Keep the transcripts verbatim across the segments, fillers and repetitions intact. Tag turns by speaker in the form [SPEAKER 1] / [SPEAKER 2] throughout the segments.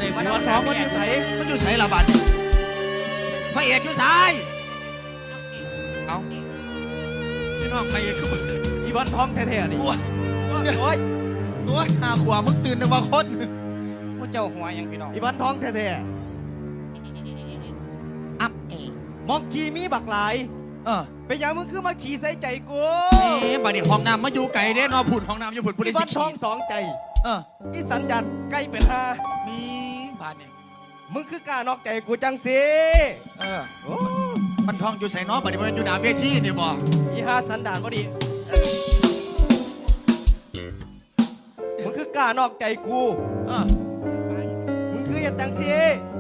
[SPEAKER 1] ใดมา
[SPEAKER 2] วันท้องมันอยู่ใส
[SPEAKER 3] มันอยู่ใส่ละบัดพระเอกอยู่ใส่เอาพี่น้องพระเอกคือ
[SPEAKER 2] อีวันท้องแท้ๆนี่
[SPEAKER 3] โอ้ย
[SPEAKER 2] โอ้ย
[SPEAKER 3] โอ้ยหาขวามึงตื่นนึกว่าคน
[SPEAKER 1] ผู้เจ้าหัวยังพี่น้อง
[SPEAKER 2] อีวันท้องแท้
[SPEAKER 3] อัพเอ
[SPEAKER 2] ๆมองขี่มีบักหลาย
[SPEAKER 3] เออ
[SPEAKER 2] เป็นยังมึงคือมาขี่ใส่ใจกู
[SPEAKER 3] เอ๊ะบัดนี้ห้องน้ำมาอยู่ไก่เด้นอผุนห้องน้ำอยู่ผุนผู้
[SPEAKER 2] อี
[SPEAKER 3] ใด
[SPEAKER 2] วั
[SPEAKER 3] สิ
[SPEAKER 2] น
[SPEAKER 3] ขี่
[SPEAKER 2] ท้องสองใจ
[SPEAKER 3] เออ
[SPEAKER 2] อีสัญญาณใกล้เป็นห้า
[SPEAKER 3] มีบาดนี่
[SPEAKER 2] มึงคือกล้านอกใจกูจังสิ
[SPEAKER 3] เออ
[SPEAKER 2] โอ้
[SPEAKER 3] มันทองอยู่ใส่น้อบัดนี้มันอยู่หน้าเวทีนี่บ่
[SPEAKER 2] อีห้าสันดานพอดีมึงคือกล้านอกใจกู
[SPEAKER 3] เออ
[SPEAKER 2] มึงคืออย่างจังสิ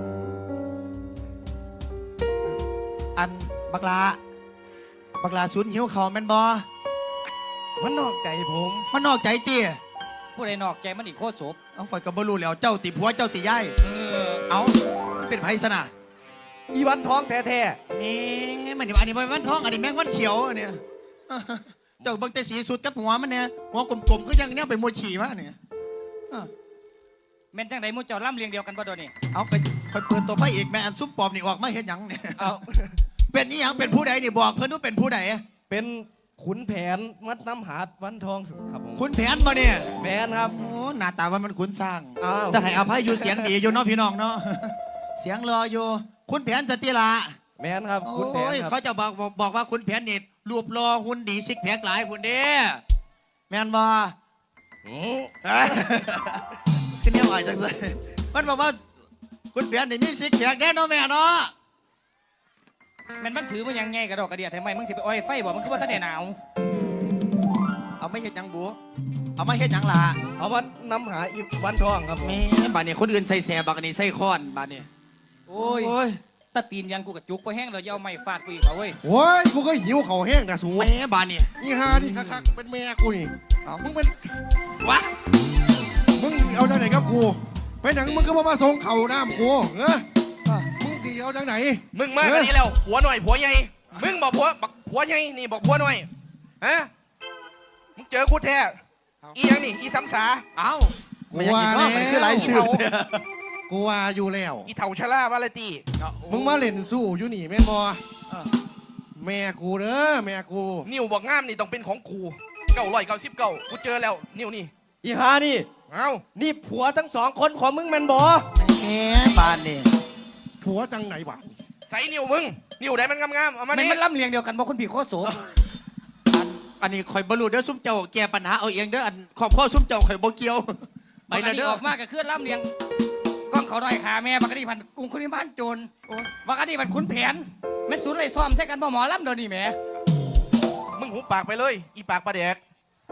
[SPEAKER 3] อันบักลาบักลาศูนย์หิวเขาแม่นบ่
[SPEAKER 2] มันนอกใจผม
[SPEAKER 3] มันนอกใจเตี้ย
[SPEAKER 1] ผู้ใดนอกใจมันอีกโคตรศพ
[SPEAKER 3] เอาข่อยก็บ่รู้แล้วเจ้าติผัวเจ้าติยาย
[SPEAKER 1] เออ
[SPEAKER 3] เอาเป็นไผซะนะ
[SPEAKER 2] อีวันท้องแท้
[SPEAKER 3] นี่มันนี่อันนี้มันท้องอันนี้แมงวันเขียวอันเนี่ยเจ้าเบิ่งแต่สีสุดกับหัวมันเนี่ยหัวกลมๆก็ยังเนี่ยไปมวยฉี่มาเนี่ยเออ
[SPEAKER 1] แม่นจังไดหมู่เจ้าล่ำเลียงเดียวกันบ่โดนนี่
[SPEAKER 3] เอาไปคอยเปิดตัวพระเอกแม่อันซุปปอมนี่ออกมาเห็นหยังเนี่ย
[SPEAKER 2] ๆเอา
[SPEAKER 3] เป็นนี่ยังเป็นผู้ใดนี่บอกเพื่อนว่าเป็นผู้ใด
[SPEAKER 2] เป็นขุนแผนมัดน้ำหาดวันทองสุดครับผม
[SPEAKER 3] คุณแผนมาเนี่ย
[SPEAKER 2] แมนครับ
[SPEAKER 3] โอ้หน้าตาว่ามันขุนสร้าง
[SPEAKER 2] อ้าว
[SPEAKER 3] แต่ให้อภัยอยู่เสียงดีอยู่เนาะพี่น้องเนาะเสียงรออยู่คุณแผนสติละ
[SPEAKER 2] แมนครับขุนแผน
[SPEAKER 3] โอ้ย
[SPEAKER 2] ครั
[SPEAKER 3] เขา
[SPEAKER 2] บ
[SPEAKER 3] จะบอกบอกบอกว่าคุณแผนนี่รูปรอหุ่นดีซิกแพคหลายหุ่นเด้แมนบ่
[SPEAKER 2] อืม
[SPEAKER 3] ขึ้นเนี่ยอ่อยจังเลยมันบอกว่าคุณแผนนี่มีซิกแพคแน่เนาะแม่เนาะ
[SPEAKER 1] แม่นมันถือมันยังไงกระดอกกระเดียทำไมมึงสิไปอ้อยไฟบ่มันคือว่าท่านได้หนาว
[SPEAKER 3] เอาไม่เห็นหยังบัวเอาไม่เห็นหยังล่ะ
[SPEAKER 2] เอามาน้ำหาอีวันทองครับ
[SPEAKER 3] แม่บาดนี้คนอื่นใส่แสบบักอันนี้ใส่ค้อนบาดนี้
[SPEAKER 1] โอ้ย
[SPEAKER 3] โอ้ย
[SPEAKER 1] ตะตีนยันกูกับจุกไปแห้งเลยเอาไม้ฟาดกูอีกเหรอเว้ย
[SPEAKER 4] โอ้ยกูก็หิวเขาวแห้งนะสู
[SPEAKER 3] แม่บาดนี้
[SPEAKER 4] อีฮานี่คักๆเป็นแม่กูนี่เอามึงเป็น
[SPEAKER 3] วะ
[SPEAKER 4] มึงเอาจากไหนกับกูไปหนังมึงก็มามาส่งเข่าน้ำกูเออมึงสิเอาจากไหน
[SPEAKER 5] มึงมากกว่านี้แล้วผัวหน่อยผัวใหญ่มึงบอกผัวบักผัวใหญ่นี่บอกผัวหน่อยฮะมึงเจอกูแท้อียังนี่อีซ้ำสา
[SPEAKER 3] เอ้า
[SPEAKER 4] กู
[SPEAKER 3] มันยัง
[SPEAKER 4] ว่า
[SPEAKER 3] อีก
[SPEAKER 4] แล้
[SPEAKER 3] รอบมันคือหลายชื่อ
[SPEAKER 4] วกูว่าอยู่แล้ว
[SPEAKER 5] อีเถ่าชะล่าวาเลตี
[SPEAKER 4] มึงมาเล่นสู้อยู่นี่แม่นบอแม่กูเด้อแม่กู
[SPEAKER 5] นิ้วบอกงามนี่ต้องเป็นของกูเก้าร้อยเก้าสิบเก้ากูเจอแล้วนิ้วนี่
[SPEAKER 2] อีหานี่
[SPEAKER 5] เอ้า
[SPEAKER 2] นี่ผัวทั้งสองคนของมึงแมนบอ
[SPEAKER 3] แม่บาดนี้
[SPEAKER 4] ผัวจังไหนวะ
[SPEAKER 5] ใส่นิ้วมึงนิ้วไหนมันงามๆเอามา
[SPEAKER 1] แม่น
[SPEAKER 5] นี่
[SPEAKER 1] มันล่ำเลียงเดียวกันบ่คนผีโคตรศพ
[SPEAKER 3] อันอันนี้ข่อยบรรลุเด้อซุ่มเจ้าแก้ปัญหาเอาเองเด้ออันขอบข้อซุ่มเจ้าข่อยบ่เกี่ยวไป
[SPEAKER 1] บัก
[SPEAKER 3] แล้
[SPEAKER 1] อั
[SPEAKER 3] วน
[SPEAKER 1] นี้
[SPEAKER 3] เด้อ
[SPEAKER 1] ออกมาก็คือล่ำเลียงกล้องเขาหน่อยขาแม่บักอันนี้พันกรุงคนบ้านโจรบักอันนี้พันขุนแผนแม่นศูนย์ไรซ้อมใช่กันบ่หมอล่ำเดี๋ยวนี้แหม
[SPEAKER 5] มึงหูปากไปเลยอีปากปลาแดก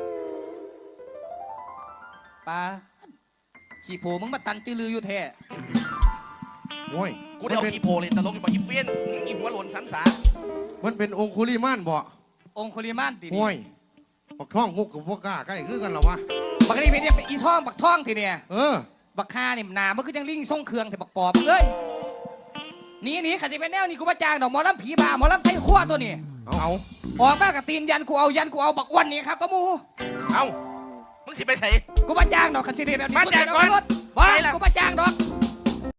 [SPEAKER 1] ปลาขี่โผมึงมาตันจือลืออยู่แท้
[SPEAKER 4] โอ้ย
[SPEAKER 5] กูได้เอาขี้โพเลยตลกอยู่บอกอีเปี้ยนอีหัวหล่นซ้ำสา
[SPEAKER 4] มันเป็นองคุลิมานบ่
[SPEAKER 1] องคุลิมานติ
[SPEAKER 4] โอ้ยปักท่องมุกกับพวกกล้าใกล้คือกันเหรอวะ
[SPEAKER 1] บักอันนี้เป็นเนี่ยอีท่องบักท่องทีเนี่ย
[SPEAKER 4] เออ
[SPEAKER 1] บักฆ่านี่หนามันคือจังลิงส่งเครื่องแต่บักปอบเลยหนีหนีขันจะเป็นแนวนี่กูมาจ้างดอกหมอลำผีบ้าหมอลำไทยขั้วตัวนี้
[SPEAKER 4] เอาเอา
[SPEAKER 1] ออกมากับตีนยันกูเอายันกูเอาบักอ้วันนี่ครับก็มู
[SPEAKER 5] เอ้ามึงสิไปใส่
[SPEAKER 1] กูมาจ้างดอกคันสิเดียแบบนี้
[SPEAKER 5] มาจ้างก่อน
[SPEAKER 1] รถบ้า
[SPEAKER 5] ใช่แล้ว
[SPEAKER 1] กูมาจ้างดอก